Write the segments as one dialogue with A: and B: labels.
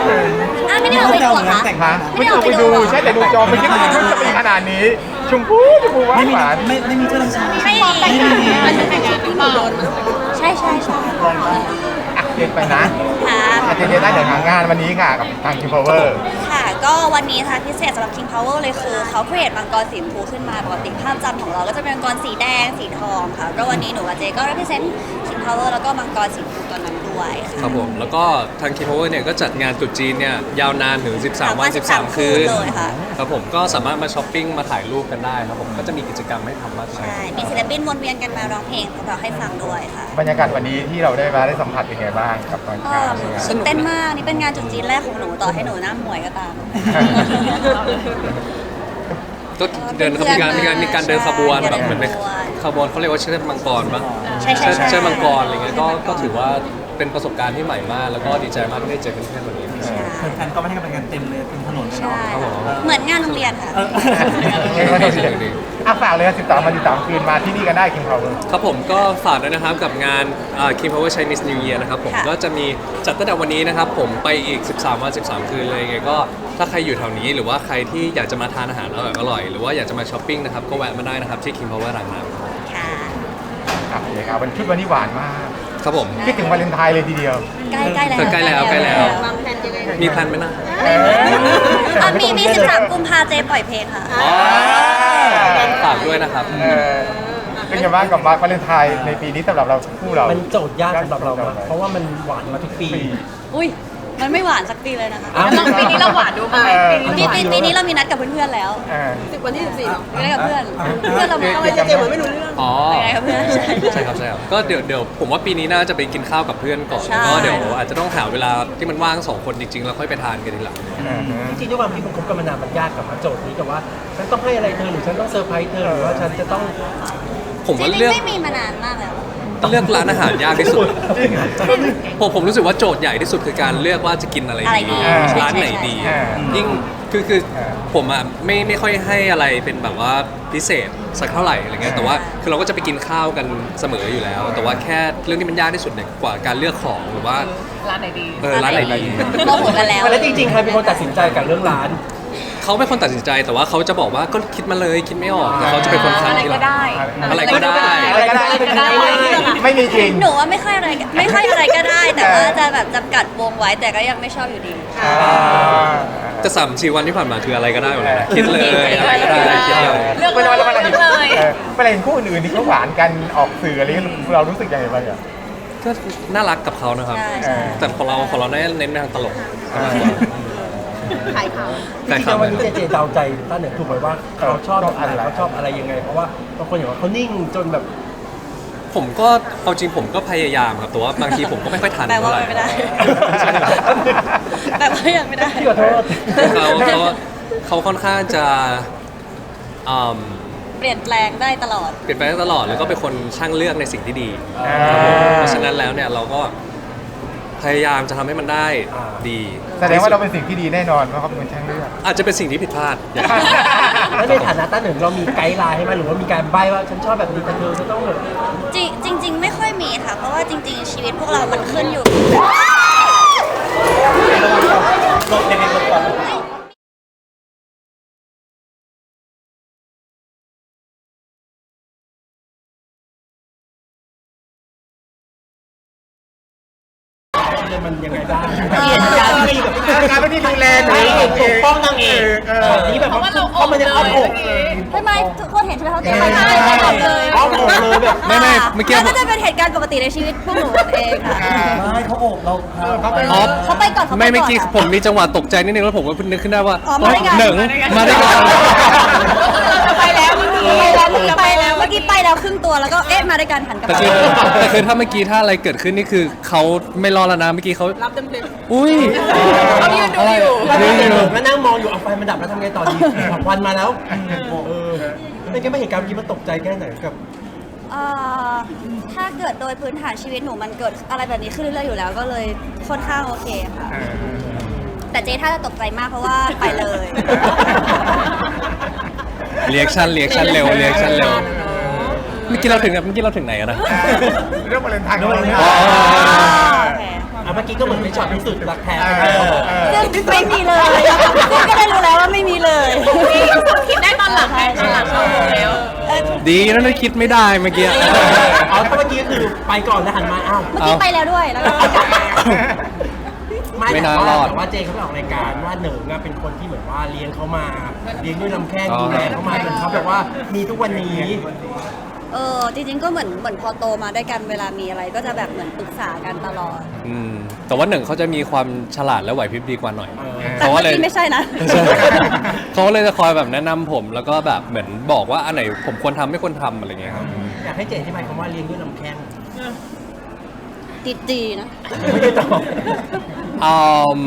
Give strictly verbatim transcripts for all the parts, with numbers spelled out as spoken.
A: อ่ะไม่ได้เอาไปดูเหรอคะ
B: ไม่ได้ออกไปดูใช่แต่ดูจอไม่คิดว่ามันจะมีขนาดนี้ชมพูชมพูหวานหวาน
C: ไม่ไม่มีเจ้าหน้าที่
A: ไม่ใช่ใช่ใช่
B: อ่ะเด็ดไปนะ
A: ค่ะ
B: อาจจะเด็ดได้เดี๋ยวทางงานวันนี้ค่ะกับทางคิมพาวเวอร์
A: ค่ะก็วันนี้นะคะพิเศษสำหรับ King Power เลยคือเขาเ r ร a t e มังกรสีชมพูขึ้นมาปกติภาพจำของเราก็จะเป็นมังกรสีแดงสีทองค่ะก็วันนี้หนูกับเจก็ represent King Power แล้วก็มังกรสีชมพูตัวนั้นด้วยค่ะ
D: ครับผมแล้วก็ทาง King Power เนี่ยก็จัดงานตรุษจีนเนี่ยยาวนานถึงสิบสามวันสิบสามคืน
A: เลยค่ะ
D: ครับผมก็สามารถมาช้อปปิ้งมาถ่ายรูปกันได้ครับผมก็จะมีกิจกรรมให้ทำมากมาย
A: ใช่มีศิลปินวนเวียนกันมาร้องเพลงของเราให้ฟังด้วยค่ะ
B: บรรยากาศวันนี้ที่เราได้มาได้สัมผัสเป็นไงบ้างกับตอน
A: ก็
B: งานเนี่ย
A: ตื่นเต้นมากนี่เป็นงานจุดจีนแรกของหนูต่อให้หนูหน้าหมวยก็ตาม
D: ก็เดินมีการมีการมีการเดินขบวนแบบเหมือนเป็น
A: ขบวน
D: ขบวนเขาเรียกว่าเชิดมังกรปะ
A: ใช่ใช่ใช่
D: เชิดมังกรอะไรเงี้ยก็ก็ถือว่าเป็นประสบการณ์ที่ใหม่มาก แล้วก็ดีใจมากที่ได้เจอเพื่อนๆวันนี้
C: แฟนๆก็ไม่ให้กำลังใจเต็มเลยเต็มถนนเลย
A: ใช่
C: เนาะ
A: เหมือนงานโรงเรียนค่ะ
B: อ่ะฝากเลยสิบสามวันสิบสามคืนมาที่นี่กันได้คิมพาวเวอร์
D: ครับผมก็ฝากด้วยนะครับกับงานอ่า King Power Chinese New Year นะครับผม
A: ค่ะ
D: ก็จะมีจัดตั้งแต่วันนี้นะครับผมไปอีกสิบสามวันสิบสามคืนเลยไงก็ถ้าใครอยู่แถวนี้หรือว่าใครที่อยากจะมาทานอาหารอร่อยๆหรือว่าอยากจะมาช้อปปิ้งนะครับก็แวะมาได้นะครับที่ King Power รางน้ำ
A: ค่ะ
B: ครับเลยครับวันชุดวันนี้หวานมาก
D: ครับผม
B: คิดถึงวาเลนไทน์เลยทีเดียว
A: ใกล้ใกล้แล้ว
D: ใกล้แล้วใกล้แล้ว
A: วางแผนยังไง
D: มีแพลนไหมนะ
A: อ่ะมีมีสิบสามกุมภาเจปล่อยเพลงค่ะ
D: ฝากด้วยนะครับ
B: เออเป็นไงบ้างกับวาเลนไทน์ในปีนี้สำหรับเราคู่เรา
C: มันโจทย์ยากสำหรับเรามากเพราะว่ามันหวานมาทุกปี
A: อุ้ยมันไม่หวานสักปีเลยนะคะ
C: อ้าว
E: ลองปีนี้เราหวานดูไหมปีนี้
A: ปีปีปีนี้เรามีนัดกับเพื่อนๆแล้ว
B: เออ
E: สิบวันที่สิบสี่หรอ
A: มีนัดกับเพื่อน เพื่อนเรามา
E: ทำไมเจเจเหมือนไม่รู้เรื่อง
D: อ๋อ
A: ไปไหนกับเพื่อนใช่
D: ใช่ครับใช่ครับก็เดี๋ยวเดี๋ยวผมว่าปีนี้น่าจะไปกินข้าวกับเพื่อนก่อน
A: ใช่
D: ก็เดี๋ยวอาจจะต้องหาเวลาที่มันว่างสองคนจริงๆแล้วค่อยไปทานกันทีหลัง
C: จริงๆด้วยความที่มันคบกันมานานมันยากกับโจทย์นี้กับว่าฉันต้องให้อะไรเธอหรือฉันต้องเซอร์ไพรส์เธอหรือว่าฉันจะต้อง
D: ผม
A: จ
D: ว่า
A: ริง
D: เลือก
A: ๆไม่มีมานานมากแล้ว
D: เลือกร้านอาหารยากที่สุด ผมผมรู้สึกว่าโจทย์ใหญ่ที่สุดคือการเลือกว่าจะกินอะไร
A: อะไรดี
D: ดีร้านไหนดี
B: ใช่ใช่
D: ยิ่งคือคือผมอ่ะไม่ไม่ค่อยให้อะไรเป็นแบบว่าพิเศษสักเท่าไหร่อะไรเงี้ยแต่ว่าคือเราก็จะไปกินข้าวกันเสมออยู่แล้ว แต่ว่าแค่เรื่องที่มันยากที่สุดเนี่ยกว่าการเลือกของหรือว่า
E: ร้านไหนดี
D: เออร้านไหนดี
A: โมโหกันแล้ว
C: แล้วจริงๆใครเป็นคนตัดสินใจกับเรื่องร้าน
D: เขาเป็นคนตัดสินใจแต่ว่าเขาจะบอกว่าก็คิดมาเลยคิดไม่ออกแต่เขาจะเป็นคนคัด
E: อะไร
D: ทีห
E: ก็
D: ลัง
E: ได้
D: อะไรก็ได้
B: อะไรก็ได้
E: อะไรก็ได้
B: ไม่มีจริง
A: หนูว่าไม่ค่อยอะไรไม่ค่อยอะไรก็ได้ แต่ว่าจะแบบจำกัดวงไว้แต่ก็ยังไม่ชอบอยู่ดี
B: อ่า
D: จะสามสี่วันที่ผ่านมาคืออะไรก็ได้หมดเลยนะคิดเลยอะไรก็ได้คิดเลย
E: เลือก
B: เวลาเวลาเห็น
E: เลย
B: เออเวลาเห็นคู่อื่นๆที่เขาหวานกันออกสื่ออะไรเรารู้สึกยังไงบ้างอ่ะ
D: ก็น่ารักกับเขานะครับ
A: ใช่
B: เอ
A: ใช่
B: อ
D: แต่ของเราของเราเน้นเน้นไปทางตลก
E: ขายข่าว
C: จริงๆวันนี้เจเจเดาใจต้าเหนือถูกไหมว่าเขาชอบอะไรเขาชอบอะไรยังไง เพราะว่าบางคนอย่างว่าเขานิ่งจนแบบ
D: ผมก็เอาจริงผมก็พยายามครับแต่ว่าบางทีผมก็ไม่ค่อยทัน
A: แปลว่า
D: เท่าไหร่
A: ไม่ได้ แปลว่ายังไม่ได้
C: พี่ขอโทษ
D: เขาเขาเขาค่อนข้างจะอืม
A: เปลี่ยนแปลงได้ตลอด
D: เปลี่ยนไปได้ตลอดแล้วก็เป็นคนช่างเลือกในสิ่งที่ดี
B: อ่า
D: ครับผมเพราะฉะนั้นแล้วเนี่ยเราก็พยายามจะทำให้มันได้ดี
B: แสดงว่าเราเป็นสิ่งที่ดีแน่นอนเพราะเขาเป็นคนช่างเลือก
D: อาจจะเป็นสิ่งที่ผิดพลาดอย่าง
C: แล้วในฐานะต้าเหนือเรามีไกด์ไลน์ให้ไหมหรือว่ามีการใบ้ว่าฉันชอบแบบนี้แต่เธอจะต้องแบบ
A: จริงจริง ๆ ไม่ค่อยมีค่ะ เพราะว่าจริง ๆ ชีวิตพวกเรามันขึ้นอยู่
C: ลบเด็กๆลบก่อน มันยังไงบ้างการที่แบบ
B: การเป็นที่ดูแลหนู
C: ปกป้องนางเอกนี่แบบว่าเข้ามาในอ้อมอก
A: ทำไมทุกคนเห็นใช่ไหมเขาเตรียมมาให้หมดเลย
C: อ้อมอกเลยแบบ
D: ไม่ไม่เมื่อกี้
A: แล้วก็จะเป็นเหตุการณ์ปกติในชีวิตพวกหนูเองค่ะ
C: ไม่เขาโอบเรา
B: เขาเป็น
D: อ๋อ
A: เขาไปก่อนเขาไปก่อน
D: ไม่เมื่อกี้ผมมีจังหวะตกใจนิดนึงแล้วผมก็เพิ่งนึกขึ้นได้ว่า
A: อ๋อมาด้วยกัน
D: หนึ่งมาด้วยกัน
E: ไปแล้วเมื่อกี้
A: ไปแล้วเมื่อกี้ไปแล้วเมื่อกี้ไปแล้วครึ่งตัวแล้วก็เอ๊ะมาด้วยกันหันกลับ
D: แต่
A: มา
D: คือแต่คือถ้าเมื่อกี้ถ้าอะไรเกิดขึ้นนี่คือเขาไม่รอดแล้วนะเมื่อกี้เขา
E: รับเต็มเต็ม
D: อุ้ย
E: เขายืนดูอยู่
D: ยืนอยู่
C: ก็นั่งมองอยู่เอาไฟมันดับแล้วทำไงต่อดีควันมาแล้วเออเป็นไงไม่เห็นการกี้มันตกใจแค่ไหนกับ
A: เอ่อถ้าเกิดโดยพื้นฐานชีวิตหนูมันเกิดอะไรแบบนี้ขึ้นเรื่อยๆอยู่แล้วก็เลยค่อนข้างโอเคค่ะ แต่เจ๊ถ้าจะตกใจมากเพราะว่าไปเลย
D: เรียกชั่นเรียกชั่นเร็วเรียกชั่นเร็วเมื่อกี้เราถึงเมื่อกี้เราถึงไหนอะนะ
B: เรื่องวาเลนไทน์ของเราเนี่ย
D: อ๋อ
A: โอเค
C: เอาเมื่อกี้ก็เหมือนเป็นช็อตพิสูจน์รักแท้
B: เอ
C: ไป
B: อ
C: แล้ว
B: เออ
A: ซึ่งไม่มีเลยซึ่งก็ได้รู้แล้วว่าไม่มีเลย
E: คิดได้ตอนหลังไงตอนหลังเรารู้แล้ว
A: เออ
D: ดีนะนั่นคิดไม่ได้เมื่อกี้
C: อ๋อถ้าเมื่อกี้คือไปก่อนแล้วหันมาอ้าว
A: เมื่อกี้ไปแล้วด้วยแล้วก็กลับมา
C: ไม่
D: ไม่
C: แต่
D: น่า
C: ว่าร
D: อด
C: แต่ว่าเจเขาไปออกรายการว่าเหนิงอะเป็นคนที่เหมือนว่าเลี้ยงเขามาเลี้ยงด้วยลำแข้ง
D: อ๋อ
C: ดูแลเขามาจนเขาแบบว่ามีทุกวันนี้
A: เออจริงๆก็เหมือนเหมือนพอโตมาด้วยกันเวลามีอะไร ก็จะแบบเหมือนปรึกษากันตลอด
D: อืมแต่ว่าหนึ่งเขาจะมีความฉลาดและไหวพริบดีกว่าหน่อย
A: แต่เมื่อกี้ไม่ใช่นะ
D: ใช่เขาเลยจะคอยแบบแนะนำผมแล้วก็แบบเหมือนบอกว่าอันไหนผมควรทำไม่ควรทำอะไรเงี้ยครับ
C: อยากให้เจอธิบายคำว่าเลี้ยงด้วยลำแข้ง
A: ติดดีนะ
C: ไม่ได้ตอบ
D: อืม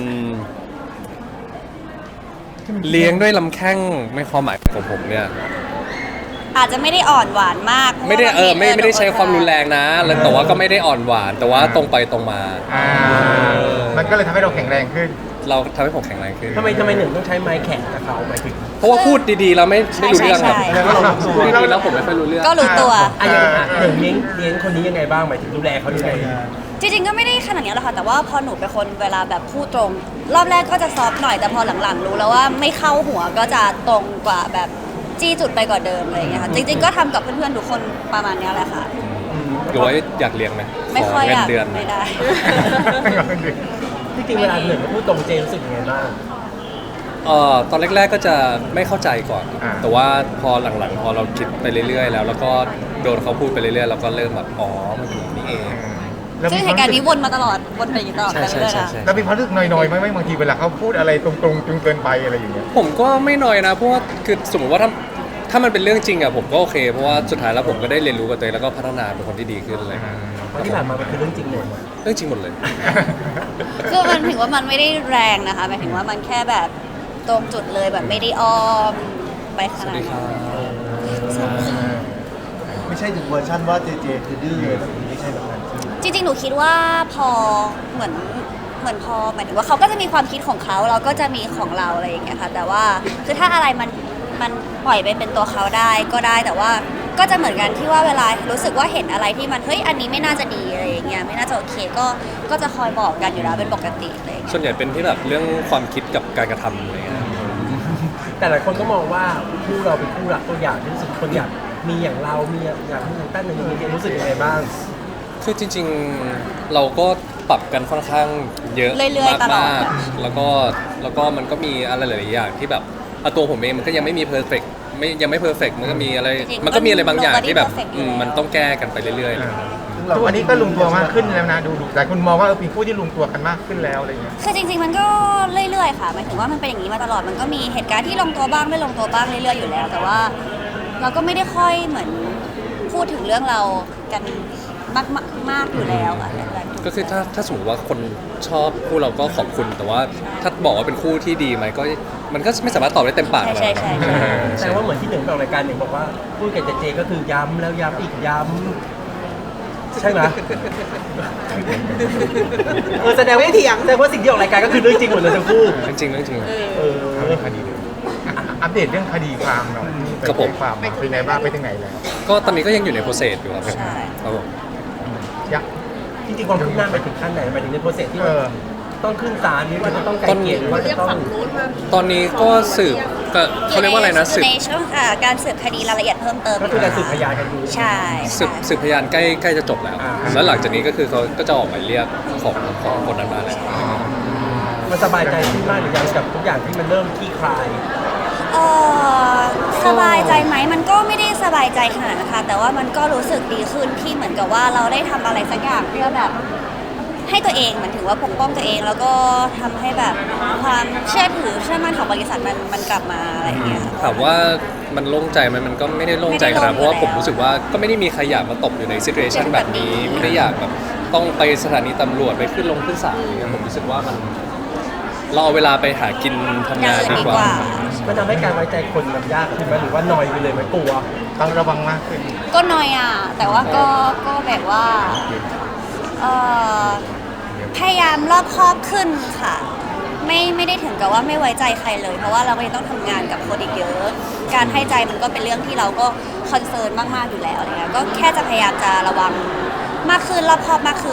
D: เลี้ยงด้วยลำแข้งในความหมายของผมเนี่ย
A: อาจจะไม่ได้อ่อนหวานมากพราะ
D: ไม่ได้
A: ว่า
D: เออไม่
A: บงที
D: ไม่ได้ใช้ความรุนแรงนะแล้วแต่ว่าก็ไม่ได้อ่อนหวาน แต่ว่าตรงไปตรงมา
B: อ่ามันก็เลยทำให้เราแข็งแรงขึ้น
D: เราทำให้ผมแข็งแรงขึ้น
C: ทำไมทำไมหนึ่งต้องใช้ไม้แข็งกับเขาหมายถึง
D: เพราะว่าพูดดีๆแล้วไม่ไม่รู้เรื่องครับ
A: ใช่ใช่
D: พูดดีๆแล้วผมไม่ค่อยรู้เรื่อง
A: ก็รู้ตัว
C: อ่ะยังไงอ่ะหนึ่งเลี้ยงเลี้ยงคนนี้ยังไงบ้างหมายถึงดูแลเขายังไง
A: จริงๆก็ไม่ได้ขนาดนี้หรอกค่ะแต่ว่าพอหนูเป็นคนเวลาแบบพูดตรง รอบแรกก็จะซอฟต์หน่อยแต่พอหลังๆรู้แล้วว่าไม่เข้าหัวก็จะตรงกว่าแบบจี้จุดไปกว่าเดิมอะไรอย่างเงี้ยค่ะจริงๆก็ทำกับเพื่อนๆทุกคนประมาณเนี้ยแหละค่ะ
D: หรือว่าอยากเลี้ยงไหม
A: ไม่ค่อย
D: เงิ
A: อน ยาก
D: เดือน
A: ไม่ได้
C: ที่จริงเวลาหนึ่งเขาพูดตรงเจรู้สึกยังไงบ้าง
D: เอ่อตอนแรกๆก็จะไม่เข้าใจก่อน
B: อ่า
D: แต่ว่าพอหลังๆ พอเราคิดไปเรื่อยๆ แล้ว แล้วก็โดนเขาพูดไปเรื่อยๆเราก็เริ่มแบบอ๋อมันเป็นอย่างนี้เอง
A: ซึ่งเหตุการณ์นี้วนมาตลอดวนไปอย่างนี้ตลอด
D: ใช่
A: ไป
D: ใช่
A: เรื่อยๆ
D: ใช่
A: นะ
D: ใช่
B: แล้วมีความรู้สึกหน่อยๆไหมไหมบางทีเวลาเขาพูดอะไรตรงๆจนเกินไปอะไรอย่างเงี้ย
D: ผมก็ไม่น้อยนะเพราะว่าคือสมมติว่าถ้าถ้ามันเป็นเรื่องจริงอะผมก็โอเค เพราะว่าสุดท้ายแล้วผมก็ได้เรียนรู้กับตัวเองแล้วก็พัฒนาเป็นคนที่ดีขึ้นอะไรอย่างเลย
C: เพราะที่ผ่านมามันคือเรื่องจริงหมด
D: เรื่องจริงหมดเลย
A: คือมันถึงว่ามันไม่ได้แรงนะคะหมายถึงว่ามันแค่แบบตรงจุดเลยแบบไม่ได้อ้อมไปขนาดนั้น
F: ไม่ใช่ถึงเวอร์ชันว่าเจเจคือดื้อเลยแบบนี้ไม่ใช่แบบนั้นใช่ไหม
A: จริงๆ หนูคิดว่าพอเหมือนเหมือนพอหมายถึงว่าเขาก็จะมีความคิดของเขาเราก็จะมีของเราอะไรอย่างเงี้ยค่ะแต่ว่าคือถ้าอะไรมันมันปล่อยไปเป็นตัวเขาได้ก็ได้แต่ว่าก็จะเหมือนกันที่ว่าเวลารู้สึกว่าเห็นอะไรที่มันเฮ้ยอันนี้ไม่น่าจะดีอะไรอย่างเงี้ยไม่น่าจะโอเคก็ก็จะคอยบอกกันอยู่แล้วเป็นปกติอะไรอย่างเลย
D: ส่วนใหญ่เป็นที่แบบเรื่องความคิดกับการกระทำอะไรเงี้ย
C: แต่หลายคนก็มองว่าคู่เราเป็นคู่รักตัวอย่างที่รู้สึกคนอยากมีอย่างเรา มีอยากมีอย่างตั้นหนึ่งมีรู้สึกยังไงบ้าง
D: คือจริงๆเราก็ปรับกันค่อนข้างเยอะ
A: เรื่อยๆตลอด
D: มากๆแล้วก็แล้วก็มันก็มีอะไรหลายๆอย่างที่แบบเอาตัวผมเองมันก็ยังไม่มีเพอร์เฟกไม่ยังไม่เพอร์เฟกมันก็มีอะไร
A: จริงๆ
D: มันก็มีอะไรบางอย่าง
A: nobody
D: ที่แบบ
A: perfect
D: อืม
A: อยู่แล้ว
D: มันต้องแก้กันไปเรื่อยๆ
B: ทุกวันนี้ก็ลงตัวมากขึ้นแล้วนะดูดูหลายคนมองว่าเออเป็นคู่ที่ลงตัวกันมากขึ้นแล้วอะไรอย่างเงี้ย
A: คือจริงๆ มันก็เรื่อยๆ ค่ะหมายถึงว่ามันเป็นอย่างนี้มาตลอด มันก็มีเหตุการณ์ที่ลงตัวบ้างไม่ลงตัวบ้างเรื่อยๆ อยู่แล้ว แต่ว่าเราก็ไม่ได้ค่อยเหมือนพูดถึงเรื่องเรากันมากๆมากอยู่แล้วอะเรื่องแบบนี้
D: ก็คือถ้าถ้าสมมติว่าคนชอบคู่เราก็ขอบคุณ แต่ว่าถ้าบอกว่าเป็นคู่ที่ดีไหมก็มันก็ไม่สามารถตอบได้เต็มปาก
A: ใช่
D: เรา
A: ใช่ใช่ใช่
C: แต่ว่าเหมือนที่หนึ่งไปออกรายการหนึ่งบอกว่าพูดกับเจเจก็คือย้ำแล้วย้ำอีกย้ำใช่ไหมเออแสดงว่าเถียงแสดงว่าสิ่งที่ออกรายการก็คือเรื่องจริงหมดเลยทั้งคู่
D: จริงๆเรื่องจริง
C: เออ
B: เอาเรื่องคดีเลยอ่ะอัปเดตเรื่องคดีความหน่อย
D: ครับผม
B: ไปแจ้งความมาเป็นไงบ้างไปถึงไหนแล้ว
D: ก็ตอนนี้ก็ยังอยู่ในโปรเซสอยู่ครับ
A: ใช่
D: ครับผม
B: ยัก
C: จริงๆความคืบหน้าไปถึงขั้นไหนไปถึงในโปรเซสที่
B: เอ
C: ว่า
B: อ
C: ต้องขึ้นศาลหรือว่าจะต้องไกลเกลี่ยหรือว่าจะต้อง
D: ตอนนี้ก็สืบก็เขาเรียกว่าอะไรนะ
A: อ
D: สื
A: ยู่
D: บ
A: ในช่วงอ่าการสืบคดีรายละเอียดเพิ่มเติม
C: ก็คือการสืบพยานกันอยู่
A: ใช่
D: สืบ
A: ใช่
D: สืบพยานใกล้ใกล้จะจบแล้ว
C: อ่า
D: แล้วหลังจากนี้ก็คือเขาก็จะออกหมายเรียกของของคนนั้นมาแล้ว
C: มันสบายใจขึ้นมากหรือยังกับทุกอย่างที่มันเริ่มคลี่คลาย
A: เออสบายใจไหมมันก็ไม่ได้สบายใจขนาดนั้นค่ะแต่ว่ามันก็รู้สึกดีขึ้นที่เหมือนกับว่าเราได้ทำอะไรสักอย่างเพื่อแบบให้ตัวเองเหมือนถึงว่าปกป้องตัวเอง แล้วก็ทำให้แบบความเชื่อถือเชื่อมั่นของบริษัทมันมันกลับมาอะไรอย่างเงี้ยค่ะ
D: ถามว่ามันโล่งใจไหมมันก็ไม่ได้โล่งใจขนาดนั้นเพราะว่าผมรู้สึกว่าก็ไม่ได้มีใครอยากมาตกอยู่ในซิ t u เ t ชันแบบนี้ไม่ได้อยากแบบต้องไปสถานีตำรวจไปขึ้นลงขึ้นศาลอะไรเงี้ยผมรู้สึกว่ามันเราเอาเวลาไปหากินทำงานดีกว่า
C: มันทำให้การไว้ใจคนมันยากขึ้นไหมหรือว่านอยไปเลยไหมกลัว
B: ต้องระวังมากขึ้น
A: ก็น้อยอ่ะแต่ว่าก็ก็แบบว่าเอ่อพยายามรอบคอบขึ้นค่ะ ไม่ไม่ได้ถึงกับว่าไม่ไว้ใจใครเลย เพราะว่าเราก็ยังต้องทำงานกับคนอีกเยอะ การให้ใจมันก็เป็นเรื่องที่เราก็คอนเซิร์นมากๆอยู่แล้วอะไรเงี้ยก็แค่จะพยายามจะระวังมากขึ้นรอบคอบมากขึ้นค่ะ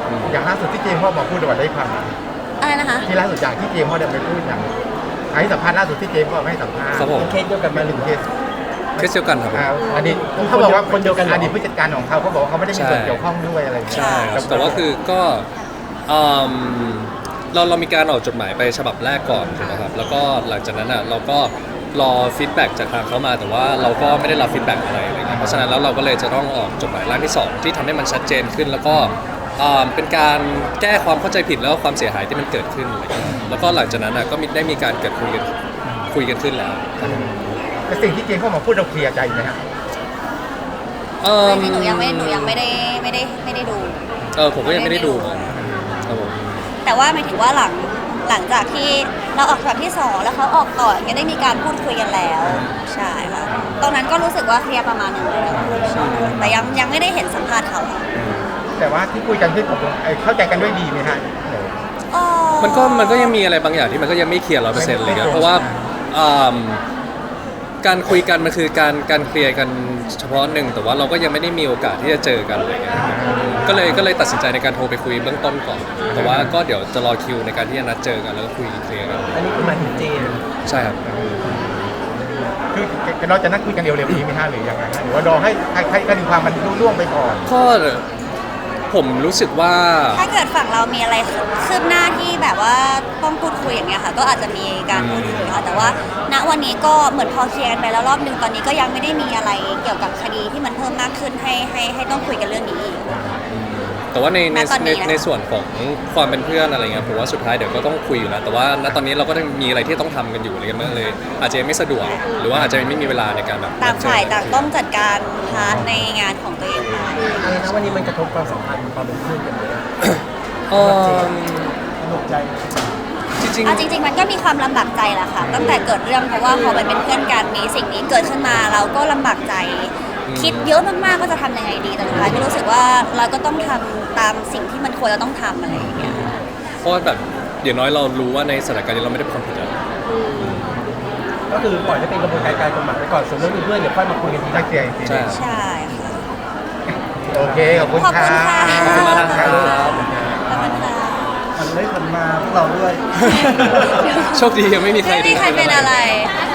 B: อย่างล่าสุดที่เจมส์พ่อมาพูดในวันได้ความ
A: อะไรนะคะ
B: ที่ล่าสุดจากที่เจมส์พ่อเดินไปพูดอย่างให้สัมภาษณ์ล่าสุดที่เจมส์พ่อให้สัมภาษณ์
D: ครับผม
C: เคสเดียวกันไหม
B: มาหนึ่งเคส
D: เคสเดียวกันครับผม
B: อ่าอดีตเขาบอกว่า
C: คนเดียวกันเหรอ
B: อดีตผู้จัดการของเขาเขาบอกว่าเขาไม่ได้มีส่วนเกี่ยวข้องด้วยอะไรอย่างเงี้ย
D: ใช่ครับแต่ว่าคือก็อืมเราเรามีการออกจดหมายไปฉบับแรกก่อนถูกไหมครับแล้วก็หลังจากนั้นอ่ะเราก็รอฟีดแบ็กจากทางเขามาแต่ว่าเราก็ไม่ได้รับฟีดแบ็กอะไรอะไรเงี้ยเพราะฉะนั้นแล้วเราก็เลยจะต้องออกจดหมายร่างที่สองที่ทำให้มันชัดเจนขึ้น แล้วก็อ่าเป็นการแก้ความเข้าใจผิดแล้วก็ความเสียหายที่มันเกิดขึ้นอะไรเงี้ยแล้วก็หลังจากนั้นอ่ะก็มีได้มีการเกิดคุยกันคุยกันขึ้นแล้ว
B: แต่สิ่งที่เจมส์พ่อมาพูดเราเคลียร์ใจไหมครับ
D: เอิ่ม
A: ไม่หนูยังไม่หนูยังไม่ได้ไม่ได้ไม่ได้ดู
D: เออผมก็ยังไม่ได้ดูเหมือนกันครับผม
A: แต่ว่าหมายถึงว่าหลังหลังจากที่เราออกฉบับที่สองแล้วเขาออกก่อนก็ได้มีการพูดคุยกันแล้วใช่ค่ะตอนนั้นก็รู้สึกว่าเคลียร์ประมาณหนึงแล้วแต่ยังยังไม่ได้เห็นสัมภาษณ์เขาค่ะ
B: แต่ว่าที่คุยกันที่ผมเข้าใจกันด้วยดีไหมฮะ
A: อ๋อ
D: มันก็มันก็ยังมีอะไรบางอย่างที่มันก็ยังไม่เคลียร์ร้อยเปอร์เซ็นต์เลยครับเพราะว่าอืมการคุยกันมันคือการการเคลียร์กันเฉพาะหนึ่งแต่ว่าเราก็ยังไม่ได้มีโอกาสที่จะเจอกันอะไรเงี้ยก็เลยก็เลยตัดสินใจในการโทรไปคุยเบื้องต้นก่อน แต่ว่าก็เดี๋ยวจะรอคิวในการที่จะนัดเจอกันแล้วก็คุยเคลียร์กัน
C: อันนี้คือหมายถึงเจน
D: ใช่ครับ
B: คือเราจะนัดคุยกันเร็วๆนี้ไหมฮะหรือยังไงฮะหรือว่ารอให้ใครใครคดีความมันล่วงไปก่อน
D: ก็ผมรู้สึกว่า
A: ถ้าเกิดฝั่งเรามีอะไรคืบหน้าที่แบบว่าต้องพูดคุยอย่างเงี้ยค่ะ ก็อาจจะมีการพูดคุยค่ะแต่ว่าณวันนี้ก็เหมือนพอเคลียร์กันไปแล้วรอบนึงตอนนี้ก็ยังไม่ได้มีอะไรเกี่ยวกับคดีที่มันเพิ่มมากขึ้นให้ให้ให้ต้องคุยกันเรื่องนี้อีก
D: แต่ว่าในใน
A: ณตอนนี้
D: ใน
A: นะคะ
D: ในส่วนของความเป็นเพื่อนอะไรเงี้ยผมว่าสุดท้ายเดี๋ยวก็ต้องคุยอยู่แล้วแต่ว่าณตอนนี้เราก็ต้องมีอะไรที่ต้องทำกันอยู่อะไรเงี้ยมันเลย อาจจะยังไม่สะดวกหรือว่าอาจจะไม่มีเวลาในการแบบ
A: ต่างฝ่ายต่างต้องจัดการพาร์ทในงานของตัวเองไป
C: อะไรนะวันนี้มันกระทบความสัมพันธ์ความเป็นเพื่อนกันเลย
D: เอิ่ม
C: สนุกใจ
D: จริง
A: เอาจริง ๆ มันก็มีความลำบากใจแหละค่ะ ตั้งแต่เกิดเรื่องเพราะว่าพอมันเป็นเพื่อนกันมีสิ่งนี้เกิดขึ้นมาเราก็ลำบากใจ คิดเยอะมากๆก็จะทำยังไงดีแต่สุดท้ายก็รู้สึกว่าเราก็ต้องทำตามสิ่งที่มันควรจะต้องทำอะไรอย่างเงี้ย
D: ๆเพราะว่าแบบอย่างน้อยเรารู้ว่าในสถานการณ์นี้เราไม่ได้เป็นความผิดอะไร
C: ก็คือปล่อยให้เป็นกระบวนการการกฎหมายไปก่อนส่วนเรื่องเพื่อนๆเดี๋ยวค่อยมาคุยกันทีห
B: ได้
C: ลัง
B: เคลียร์จริง
D: ใช่
A: ใช่ค่ะ
B: โอเคขอบคุณ
A: ขอบคุณ
B: ค่ะ
A: ค่ะ
D: ขอบคุณมากนะครับ
A: ขอบคุณค่ะ
F: มันไม่คนมาพวกเราด้วย
D: โชคดียังไม่มีใคร
A: ไม่มีใครเป็นอะไร
E: ล่าสุ